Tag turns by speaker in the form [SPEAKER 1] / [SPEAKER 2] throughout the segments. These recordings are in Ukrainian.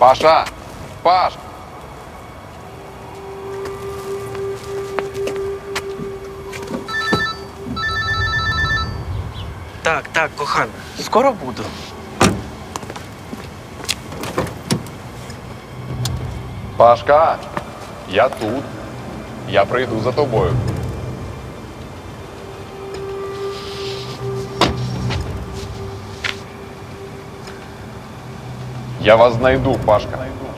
[SPEAKER 1] Паша! Паш!
[SPEAKER 2] Так, кохана, скоро буду.
[SPEAKER 1] Пашка! Я тут. Я прийду за тобою. Я вас знайду, Пашка.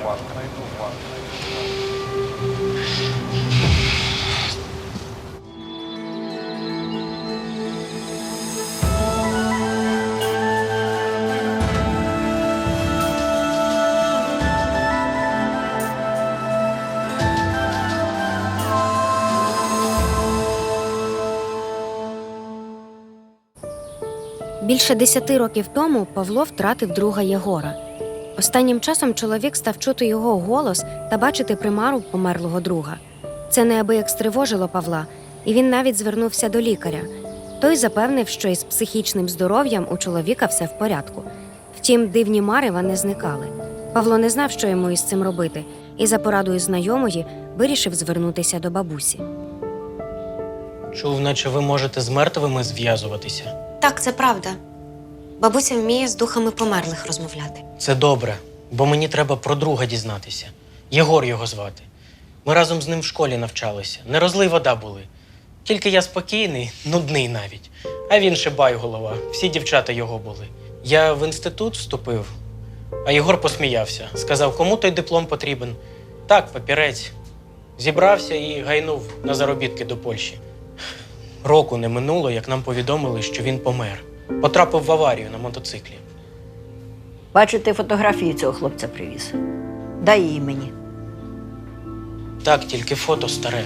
[SPEAKER 3] Більше 10 років тому Павло втратив друга Єгора. Останнім часом чоловік став чути його голос та бачити примару померлого друга. Це неабияк стривожило Павла, і він навіть звернувся до лікаря. Той запевнив, що із психічним здоров'ям у чоловіка все в порядку. Втім, дивні марева не зникали. Павло не знав, що йому із цим робити, і за порадою знайомої вирішив звернутися до бабусі.
[SPEAKER 2] Чув, наче ви можете з мертвими зв'язуватися.
[SPEAKER 3] Так, це правда. Бабуся вміє з духами померлих розмовляти.
[SPEAKER 2] Це добре, бо мені треба про друга дізнатися. Єгор його звати. Ми разом з ним в школі навчалися. Не розлий вода були. Тільки я спокійний, нудний навіть. А він ще байголова. Всі дівчата його були. Я в інститут вступив, а Єгор посміявся. Сказав, кому той диплом потрібен. Так, папірець. Зібрався і гайнув на заробітки до Польщі. Року не минуло, як нам повідомили, що він помер. Потрапив в аварію на мотоциклі.
[SPEAKER 4] Бачу, ти фотографії цього хлопця привіз. Дай її мені.
[SPEAKER 2] Так, тільки фото старе.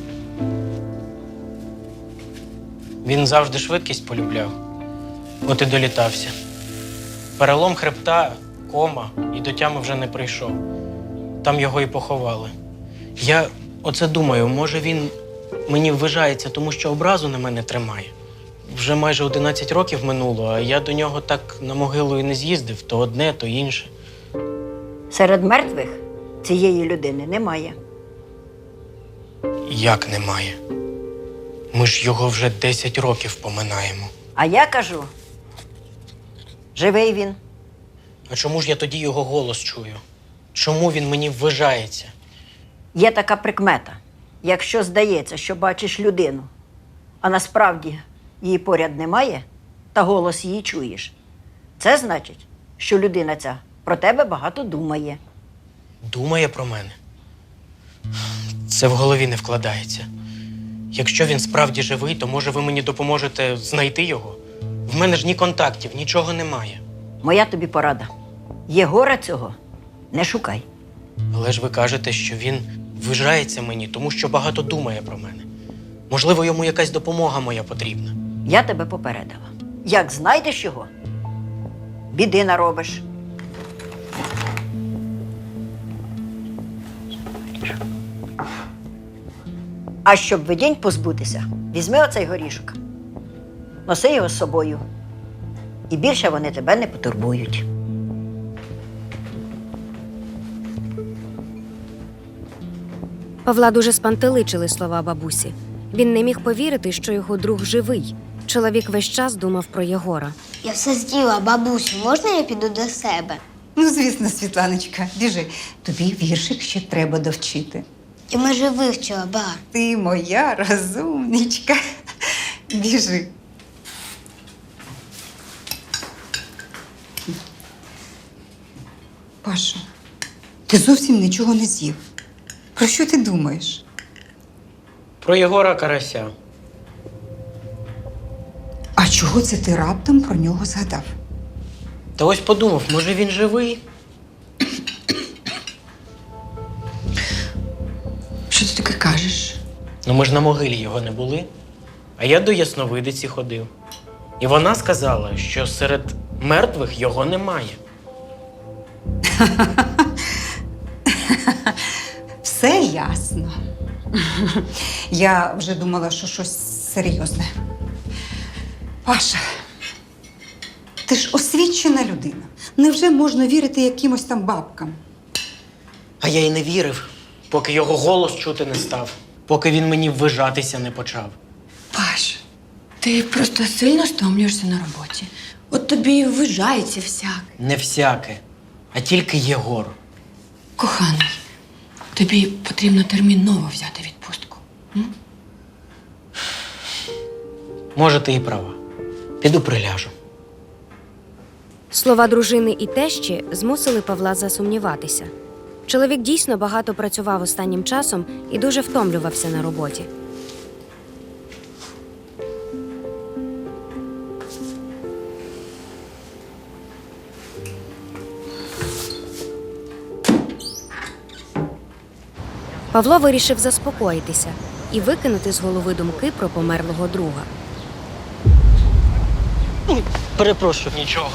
[SPEAKER 2] Він завжди швидкість полюбляв. От і долітався. Перелом хребта, кома, і до тями вже не прийшов. Там його і поховали. Я оце думаю, може він мені ввижається, тому що образу на мене тримає. Вже майже 11 років минуло, а я до нього так на могилу і не з'їздив. То одне, то інше.
[SPEAKER 4] Серед мертвих цієї людини немає.
[SPEAKER 2] Як немає? Ми ж його вже 10 років поминаємо.
[SPEAKER 4] А я кажу, живий він.
[SPEAKER 2] А чому ж я тоді його голос чую? Чому він мені ввижається?
[SPEAKER 4] Є така прикмета. Якщо здається, що бачиш людину, а насправді її поряд немає, та голос її чуєш, це значить, що людина ця про тебе багато думає.
[SPEAKER 2] Думає про мене? Це в голові не вкладається. Якщо він справді живий, то, може, ви мені допоможете знайти його? В мене ж ні контактів, нічого немає.
[SPEAKER 4] Моя тобі порада. Єгора цього не шукай.
[SPEAKER 2] Але ж ви кажете, що він ввижається мені, тому що багато думає про мене. Можливо, йому якась допомога моя потрібна.
[SPEAKER 4] Я тебе попередила. Як знайдеш його, біди наробиш. А щоб видінь позбутися, візьми оцей горішок. Носи його з собою. І більше вони тебе не потурбують.
[SPEAKER 3] Павла дуже спантеличили слова бабусі. Він не міг повірити, що його друг живий. Чоловік весь час думав про Єгора.
[SPEAKER 5] Я все з'їла, бабусю, можна я піду до себе?
[SPEAKER 6] Ну, звісно, Світланочка, біжи. Тобі віршик ще треба довчити.
[SPEAKER 5] Я майже вивчила, ба.
[SPEAKER 6] Ти моя розумничка. Біжи. Паша, ти зовсім нічого не з'їв. Про що ти думаєш?
[SPEAKER 2] Про Єгора Карася.
[SPEAKER 6] А чого це ти раптом про нього згадав?
[SPEAKER 2] Та ось подумав, може він живий?
[SPEAKER 6] Що ти таке кажеш?
[SPEAKER 2] Ну ми ж на могилі його не були. А я до ясновидиці ходив. І вона сказала, що серед мертвих його немає.
[SPEAKER 6] Все ясно. Я вже думала, що щось серйозне. Паша, ти ж освічена людина. Невже можна вірити якимось там бабкам?
[SPEAKER 2] А я й не вірив, поки його голос чути не став, поки він мені ввижатися не почав.
[SPEAKER 7] Паш, ти просто сильно стомлюєшся на роботі. От тобі і ввижається всяк.
[SPEAKER 2] Не всяке, а тільки Єгор.
[SPEAKER 7] Коханий, тобі потрібно терміново взяти відпустку.
[SPEAKER 2] Може, ти і права. Піду приляжу.
[SPEAKER 3] Слова дружини і тещі змусили Павла засумніватися. Чоловік дійсно багато працював останнім часом і дуже втомлювався на роботі. Павло вирішив заспокоїтися і викинути з голови думки про померлого друга.
[SPEAKER 2] Перепрошую. Нічого.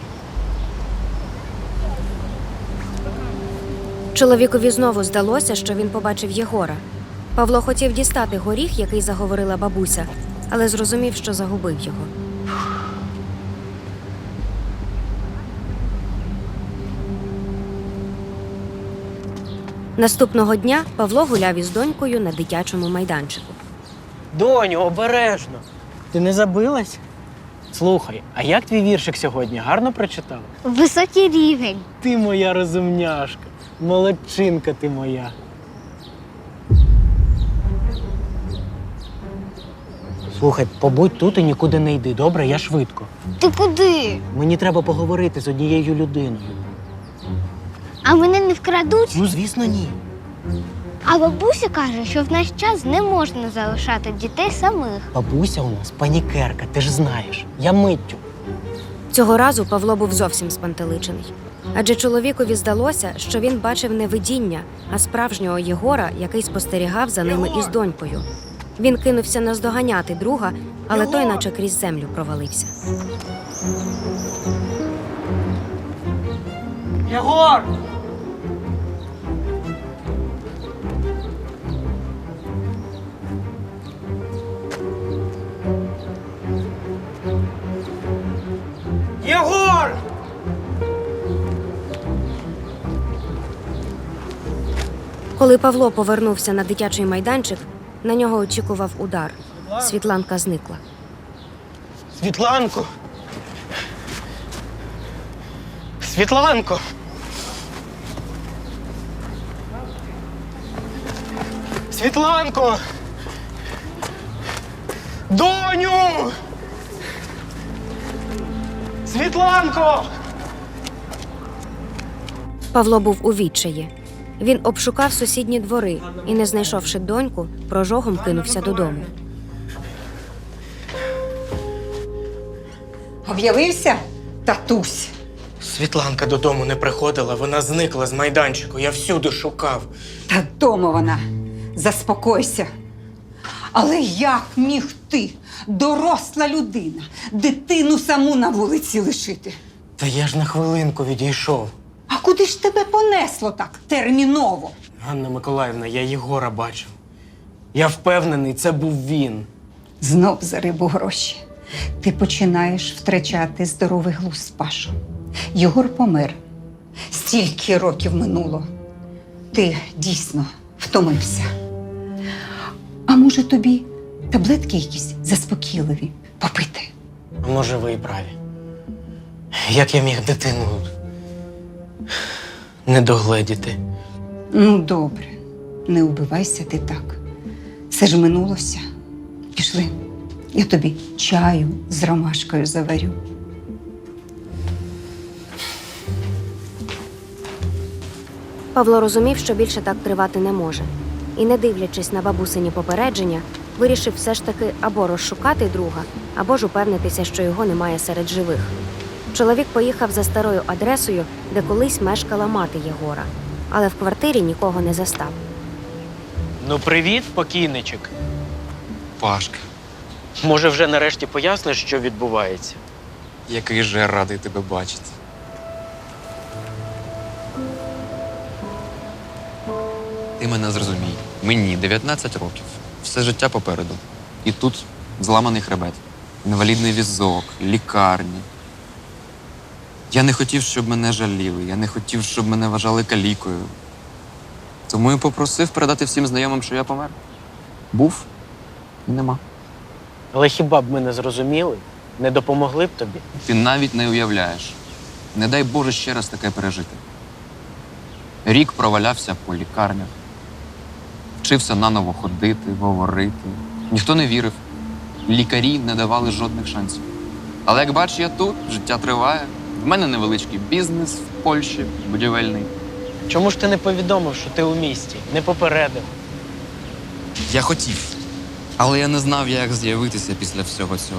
[SPEAKER 3] Чоловікові знову здалося, що він побачив Єгора. Павло хотів дістати горіх, який заговорила бабуся, але зрозумів, що загубив його. Наступного дня Павло гуляв із донькою на дитячому майданчику.
[SPEAKER 2] Доню, обережно. Ти не забилась? Слухай, а як твій віршик сьогодні? Гарно прочитала?
[SPEAKER 5] Високий рівень.
[SPEAKER 2] Ти моя розумняшка. Молодчинка ти моя. Слухай, побудь тут і нікуди не йди, добре? Я швидко.
[SPEAKER 5] Ти куди?
[SPEAKER 2] Мені треба поговорити з однією людиною.
[SPEAKER 5] А мене не вкрадуть?
[SPEAKER 2] Ну, звісно, ні.
[SPEAKER 5] А бабуся каже, що в наш час не можна залишати дітей самих.
[SPEAKER 2] Бабуся у нас панікерка, ти ж знаєш. Я миттю.
[SPEAKER 3] Цього разу Павло був зовсім спантеличений. Адже чоловікові здалося, що він бачив не видіння, а справжнього Єгора, який спостерігав за ними із донькою. Він кинувся наздоганяти друга, але той наче крізь землю провалився.
[SPEAKER 2] Єгор! Єгор!
[SPEAKER 3] Коли Павло повернувся на дитячий майданчик, на нього очікував удар. Світланка зникла.
[SPEAKER 2] Світланко! Світланко! Світланко! Доню! Світланко!
[SPEAKER 3] Павло був у відчаї. Він обшукав сусідні двори і, не знайшовши доньку, прожогом кинувся додому.
[SPEAKER 6] Об'явився татусь.
[SPEAKER 2] Світланка додому не приходила, вона зникла з майданчику. Я всюди шукав.
[SPEAKER 6] Та дома вона. Заспокойся. Але як міг ти, доросла людина, дитину саму на вулиці лишити?
[SPEAKER 2] Та я ж на хвилинку відійшов.
[SPEAKER 6] А куди ж тебе понесло так терміново?
[SPEAKER 2] Ганна Миколаївна, я Єгора бачив. Я впевнений, це був він.
[SPEAKER 6] Знов за рибу гроші. Ти починаєш втрачати здоровий глузд, Пашо. Єгор помер. Стільки років минуло. Ти дійсно втомився. А може тобі таблетки якісь заспокійливі попити?
[SPEAKER 2] А може, ви і праві. Як я міг дитину не догледіти?
[SPEAKER 6] Ну, добре. Не убивайся ти так. Все ж минулося. Пішли. Я тобі чаю з ромашкою заварю.
[SPEAKER 3] Павло розумів, що більше так тривати не може. І, не дивлячись на бабусині попередження, вирішив все ж таки або розшукати друга, або ж упевнитися, що його немає серед живих. Чоловік поїхав за старою адресою, де колись мешкала мати Єгора, але в квартирі нікого не застав.
[SPEAKER 2] Ну, привіт, покійничок.
[SPEAKER 8] Пашка,
[SPEAKER 2] Може, вже нарешті поясниш, що відбувається?
[SPEAKER 8] який же я радий тебе бачити. Ти мене зрозумій. Мені 19 років. Все життя попереду. І тут зламаний хребет, інвалідний візок, лікарні. Я не хотів, щоб мене жаліли. Я не хотів, щоб мене вважали калікою. Тому і попросив передати всім знайомим, що я помер. Був і нема.
[SPEAKER 2] Але хіба б ми не зрозуміли? Не допомогли б тобі?
[SPEAKER 8] Ти навіть не уявляєш. Не дай Боже ще раз таке пережити. Рік провалявся по лікарнях. Вчився наново ходити, говорити. Ніхто не вірив. Лікарі не давали жодних шансів. Але як бачиш, я тут, життя триває. В мене невеличкий бізнес в Польщі, будівельний.
[SPEAKER 2] Чому ж ти не повідомив, що ти у місті? Не попередив?
[SPEAKER 8] Я хотів. Але я не знав, як з'явитися після всього цього.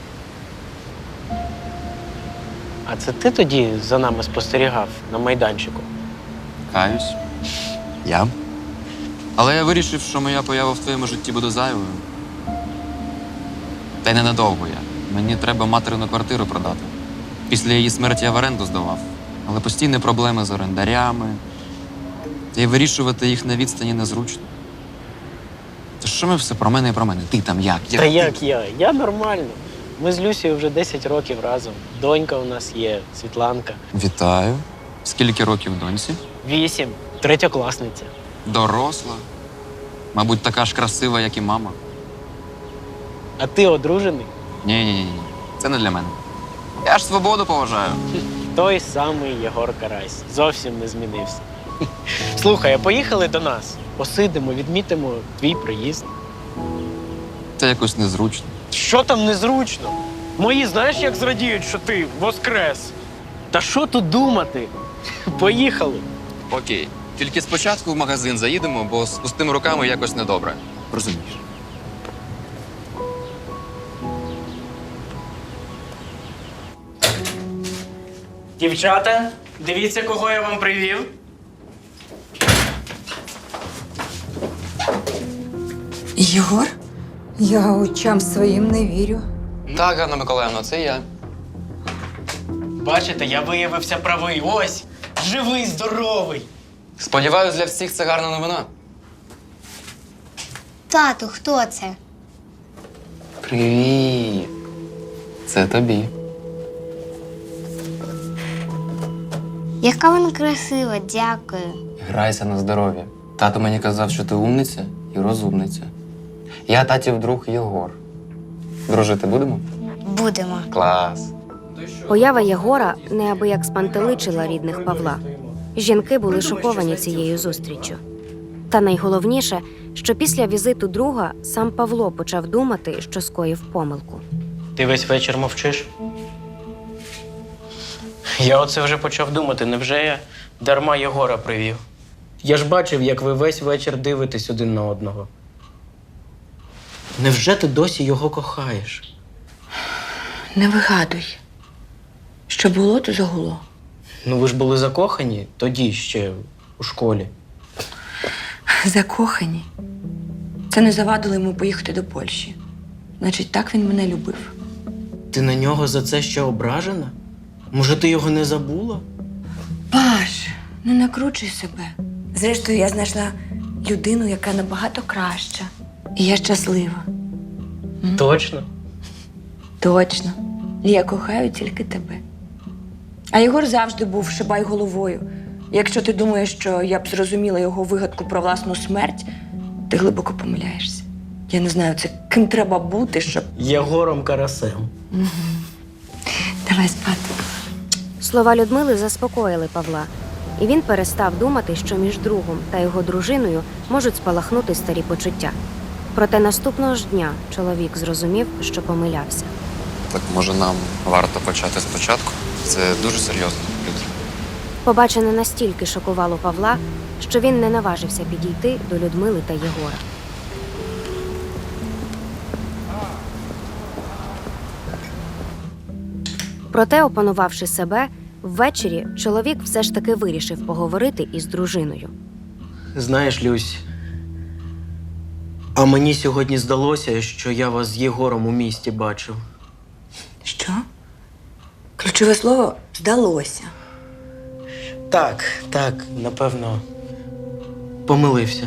[SPEAKER 2] А це ти тоді за нами спостерігав на майданчику?
[SPEAKER 8] Каюсь. Я. Але я вирішив, що моя поява в твоєму житті буде зайвою. Та й ненадовго я. Мені треба материну квартиру продати. Після її смерті я в оренду здавав. Але постійні проблеми з орендарями. Та й вирішувати їх на відстані незручно. Та що ми все про мене і про мене? Ти там як?
[SPEAKER 2] Та як я? Я нормально. Ми з Люсією вже 10 років разом. Донька у нас є, Світланка.
[SPEAKER 8] Вітаю. Скільки років доньці?
[SPEAKER 2] 8. Третьокласниця.
[SPEAKER 8] Доросла. Мабуть, така ж красива, як і мама.
[SPEAKER 2] А ти одружений?
[SPEAKER 8] Ні. Це не для мене. Я ж свободу поважаю.
[SPEAKER 2] Той самий Єгор Карась. Зовсім не змінився. Слухай, а поїхали до нас. Посидимо, відмітимо твій приїзд.
[SPEAKER 8] Це якось незручно.
[SPEAKER 2] Що там незручно? Мої знаєш, як зрадіють, що ти воскрес? Та що тут думати? Поїхали.
[SPEAKER 8] Окей. Тільки спочатку в магазин заїдемо, бо з пустими руками якось недобре. Розумієш?
[SPEAKER 2] Дівчата, дивіться, кого я вам привів.
[SPEAKER 7] Єгор?
[SPEAKER 6] Я очам своїм не вірю.
[SPEAKER 8] Так, Ганна Миколаївна, це я.
[SPEAKER 2] Бачите, я виявився правий. Ось, живий, здоровий.
[SPEAKER 8] Сподіваюсь, для всіх це гарна новина.
[SPEAKER 5] Тату, хто це?
[SPEAKER 8] Привіт. Це тобі.
[SPEAKER 5] Яка вона красива, дякую.
[SPEAKER 8] Грайся на здоров'я. Тато мені казав, що ти умниця і розумниця. Я татів друг Єгор. Дружити будемо?
[SPEAKER 5] Будемо.
[SPEAKER 8] Клас.
[SPEAKER 3] Поява Єгора неабияк спантеличила рідних Павла. Жінки були шоковані цією зустріччю. Та найголовніше, що після візиту друга сам Павло почав думати, що скоїв помилку.
[SPEAKER 2] Ти весь вечір мовчиш? Я оце вже почав думати, невже я дарма Єгора привів? Я ж бачив, як ви весь вечір дивитесь один на одного. Невже ти досі його кохаєш?
[SPEAKER 7] Не вигадуй. Що було, то загуло.
[SPEAKER 2] Ну ви ж були закохані тоді ще у школі.
[SPEAKER 7] Закохані. Це не завадило йому поїхати до Польщі. Значить, так він мене любив.
[SPEAKER 2] Ти на нього за це ще ображена? Може, ти його не забула?
[SPEAKER 7] Паш, не накручуй себе. Зрештою, я знайшла людину, яка набагато краща. І я щаслива.
[SPEAKER 2] Точно?
[SPEAKER 7] Точно. І я кохаю тільки тебе. А Єгор завжди був шибай головою. Якщо ти думаєш, що я б зрозуміла його вигадку про власну смерть, ти глибоко помиляєшся. Я не знаю, це ким треба бути, щоб...
[SPEAKER 2] Єгором Карасем.
[SPEAKER 7] Давай спати.
[SPEAKER 3] Слова Людмили заспокоїли Павла, і він перестав думати, що між другом та його дружиною можуть спалахнути старі почуття. Проте наступного ж дня чоловік зрозумів, що помилявся.
[SPEAKER 8] Так може нам варто почати спочатку? Це дуже серйозно, Люд.
[SPEAKER 3] Побачене настільки шокувало Павла, що він не наважився підійти до Людмили та Єгора. Проте, опанувавши себе, ввечері чоловік все ж таки вирішив поговорити із дружиною.
[SPEAKER 2] Знаєш, Люсь, а мені сьогодні здалося, що я вас з Єгором у місті бачив.
[SPEAKER 7] Що? Ключове слово «здалося».
[SPEAKER 2] Так, напевно, помилився.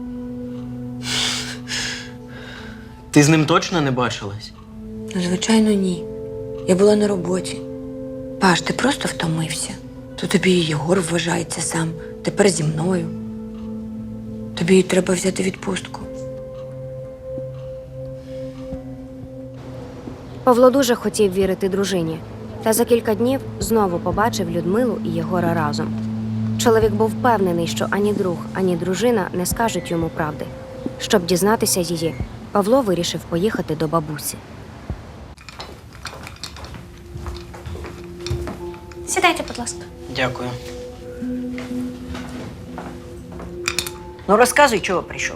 [SPEAKER 2] Ти з ним точно не бачилась?
[SPEAKER 7] Ну, звичайно, ні. Я була на роботі. Паш, ти просто втомився. То тобі і Єгор вважається сам. Тепер зі мною. Тобі треба взяти відпустку.
[SPEAKER 3] Павло дуже хотів вірити дружині, та за кілька днів знову побачив Людмилу і Єгора разом. Чоловік був впевнений, що ані друг, ані дружина не скажуть йому правди. Щоб дізнатися її, Павло вирішив поїхати до бабусі.
[SPEAKER 9] Сідайте, будь ласка.
[SPEAKER 2] Дякую.
[SPEAKER 4] Ну, розказуй, чого прийшов.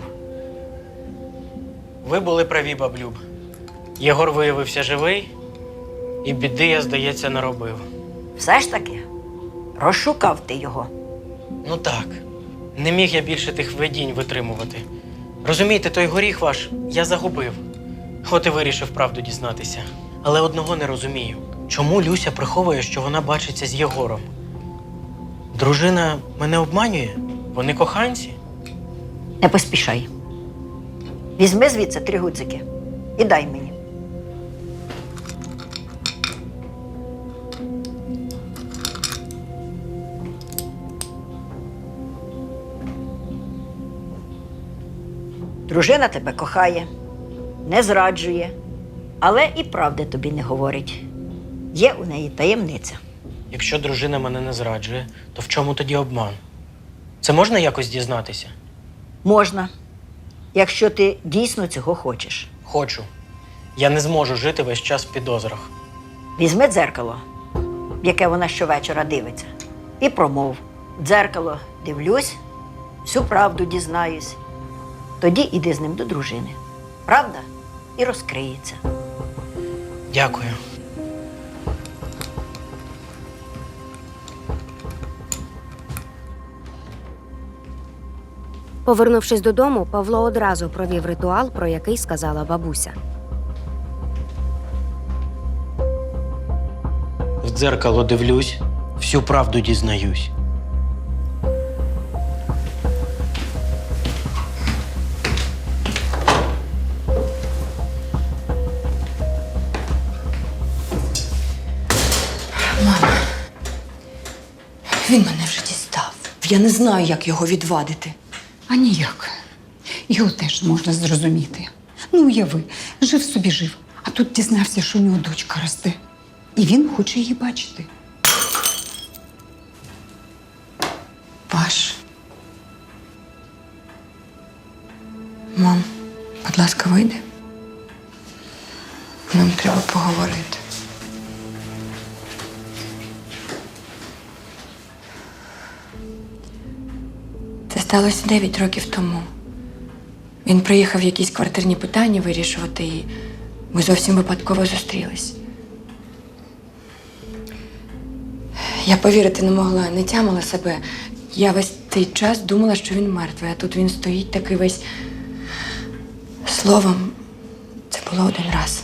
[SPEAKER 2] Ви були праві, баблюб. Єгор виявився живий, і біди, я, здається, наробив.
[SPEAKER 4] Все ж таки, розшукав ти його.
[SPEAKER 2] Ну так, не міг я більше тих видінь витримувати. Розумієте, той горіх ваш я загубив. От і вирішив правду дізнатися. Але одного не розумію. Чому Люся приховує, що вона бачиться з Єгором? Дружина мене обманює? Вони коханці?
[SPEAKER 4] Не поспішай. Візьми звідси 3 гудзики і дай мені. Дружина тебе кохає, не зраджує, але і правди тобі не говорить. Є у неї таємниця.
[SPEAKER 2] Якщо дружина мене не зраджує, то в чому тоді обман? Це можна якось дізнатися?
[SPEAKER 4] Можна, якщо ти дійсно цього хочеш.
[SPEAKER 2] Хочу. Я не зможу жити весь час в підозрах.
[SPEAKER 4] Візьми дзеркало, в яке вона щовечора дивиться, і промов. В дзеркало дивлюсь, всю правду дізнаюсь. Тоді іди з ним до дружини. Правда і розкриється.
[SPEAKER 2] Дякую.
[SPEAKER 3] Повернувшись додому, Павло одразу провів ритуал, про який сказала бабуся.
[SPEAKER 2] В дзеркало дивлюсь, всю правду дізнаюсь.
[SPEAKER 7] Він мене вже дістав. Я не знаю, як його відвадити.
[SPEAKER 6] А ніяк. Його теж можна зрозуміти. Ну, уяви, жив собі жив, а тут дізнався, що у нього дочка росте. І він хоче її бачити.
[SPEAKER 7] Паш. Мам, будь ласка, вийди. Нам треба поговорити. Це сталося 9 років тому. Він приїхав якісь квартирні питання вирішувати, і ми зовсім випадково зустрілись. Я повірити не могла, не тямила себе. Я весь цей час думала, що він мертвий, а тут він стоїть такий весь. Словом, це було один раз.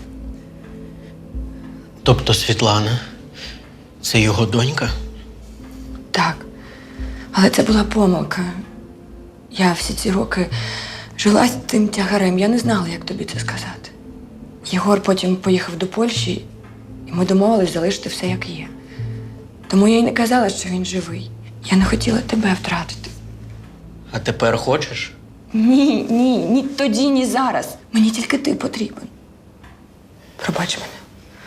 [SPEAKER 2] Тобто Світлана – це його донька?
[SPEAKER 7] Так. Але це була помилка. Я всі ці роки жила з тим тягарем. Я не знала, як тобі це сказати. Єгор потім поїхав до Польщі, і ми домовились залишити все, як є. Тому я й не казала, що він живий. Я не хотіла тебе втратити.
[SPEAKER 2] А тепер хочеш?
[SPEAKER 7] Ні тоді, ні зараз. Мені тільки ти потрібен. Пробач мене.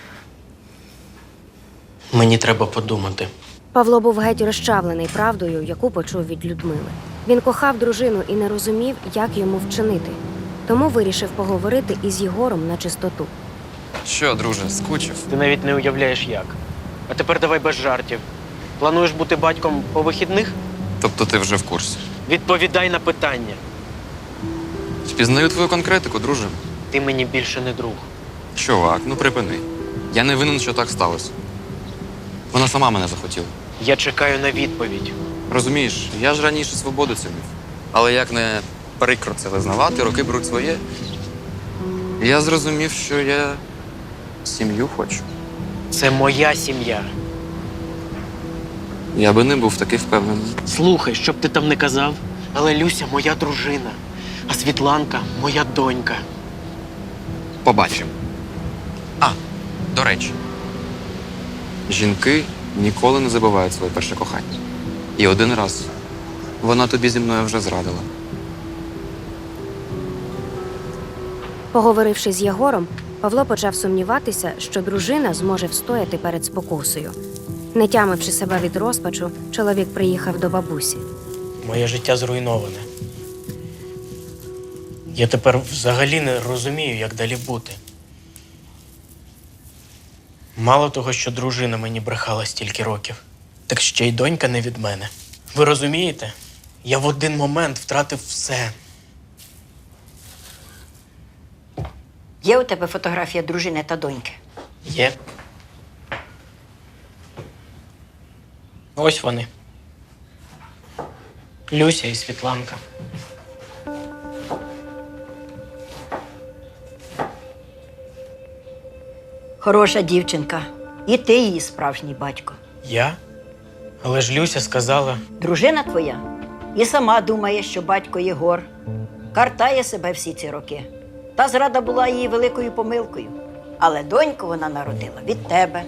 [SPEAKER 2] Мені треба подумати.
[SPEAKER 3] Павло був геть розчавлений правдою, яку почув від Людмили. Він кохав дружину і не розумів, як йому вчинити. Тому вирішив поговорити із Єгором на чистоту.
[SPEAKER 8] Що, друже, скучив?
[SPEAKER 2] Ти навіть не уявляєш як. А тепер давай без жартів. Плануєш бути батьком по вихідних?
[SPEAKER 8] Тобто ти вже в курсі.
[SPEAKER 2] Відповідай на питання.
[SPEAKER 8] Впізнаю твою конкретику, друже.
[SPEAKER 2] Ти мені більше не друг.
[SPEAKER 8] Чувак, ну припини. Я не винен, що так сталося. Вона сама мене захотіла.
[SPEAKER 2] Я чекаю на відповідь.
[SPEAKER 8] Розумієш, я ж раніше свободу цінив. Але як не прикро це визнавати, роки беруть своє. Я зрозумів, що я сім'ю хочу.
[SPEAKER 2] Це моя сім'я.
[SPEAKER 8] Я би не був такий впевнений.
[SPEAKER 2] Слухай, що б ти там не казав, але Люся моя дружина, а Світланка моя донька.
[SPEAKER 8] Побачимо. А, до речі. Жінки ніколи не забувають своє перше кохання. І один раз вона тобі зі мною вже зрадила.
[SPEAKER 3] Поговоривши з Єгором, Павло почав сумніватися, що дружина зможе встояти перед спокусою. Не тямивши себе від розпачу, чоловік приїхав до бабусі.
[SPEAKER 2] Моє життя зруйноване. Я тепер взагалі не розумію, як далі бути. Мало того, що дружина мені брехала стільки років, так ще й донька не від мене. Ви розумієте? Я в один момент втратив все.
[SPEAKER 4] Є у тебе фотографія дружини та доньки?
[SPEAKER 2] Є. Ось вони. Люся і Світланка.
[SPEAKER 4] Хороша дівчинка. І ти її справжній батько.
[SPEAKER 2] Я? Але ж Люся сказала,
[SPEAKER 4] Дружина твоя і сама думає, що батько Єгор картає себе всі ці роки. Та зрада була її великою помилкою. Але доньку вона народила від тебе.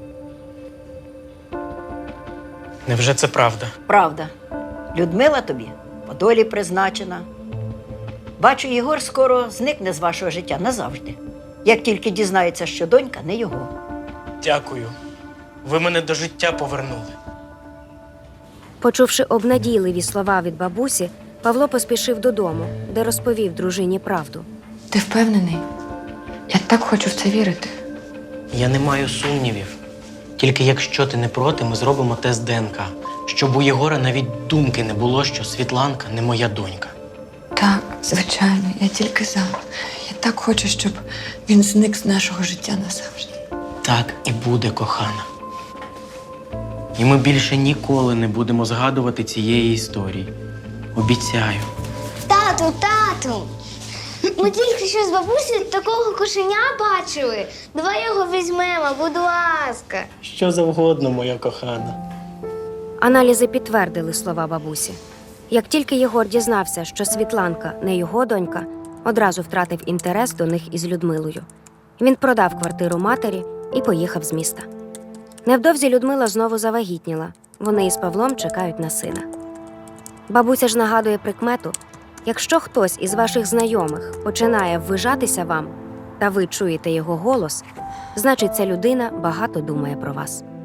[SPEAKER 2] невже це правда?
[SPEAKER 4] Правда. Людмила тобі по долі призначена. Бачу, Єгор скоро зникне з вашого життя назавжди. Як тільки дізнається, що донька не його.
[SPEAKER 2] Дякую. Ви мене до життя повернули.
[SPEAKER 3] Почувши обнадійливі слова від бабусі, Павло поспішив додому, де розповів дружині правду.
[SPEAKER 7] Ти впевнений? Я так хочу в це вірити.
[SPEAKER 2] Я не маю сумнівів. Тільки якщо ти не проти, ми зробимо тест ДНК, щоб у Єгора навіть думки не було, що Світланка не моя донька.
[SPEAKER 7] Так, звичайно, я тільки за. Я так хочу, щоб він зник з нашого життя назавжди.
[SPEAKER 2] Так і буде, кохана. І ми більше ніколи не будемо згадувати цієї історії. Обіцяю.
[SPEAKER 5] Тату! Ми тільки що з бабусею такого кошеня бачили. Давай його візьмемо, будь ласка.
[SPEAKER 2] Що завгодно, моя кохана.
[SPEAKER 3] Аналізи підтвердили слова бабусі. Як тільки Єгор дізнався, що Світланка не його донька, одразу втратив інтерес до них із Людмилою. Він продав квартиру матері і поїхав з міста. Невдовзі Людмила знову завагітніла. Вони із Павлом чекають на сина. Бабуся ж нагадує прикмету: якщо хтось із ваших знайомих починає ввижатися вам, та ви чуєте його голос, значить, ця людина багато думає про вас.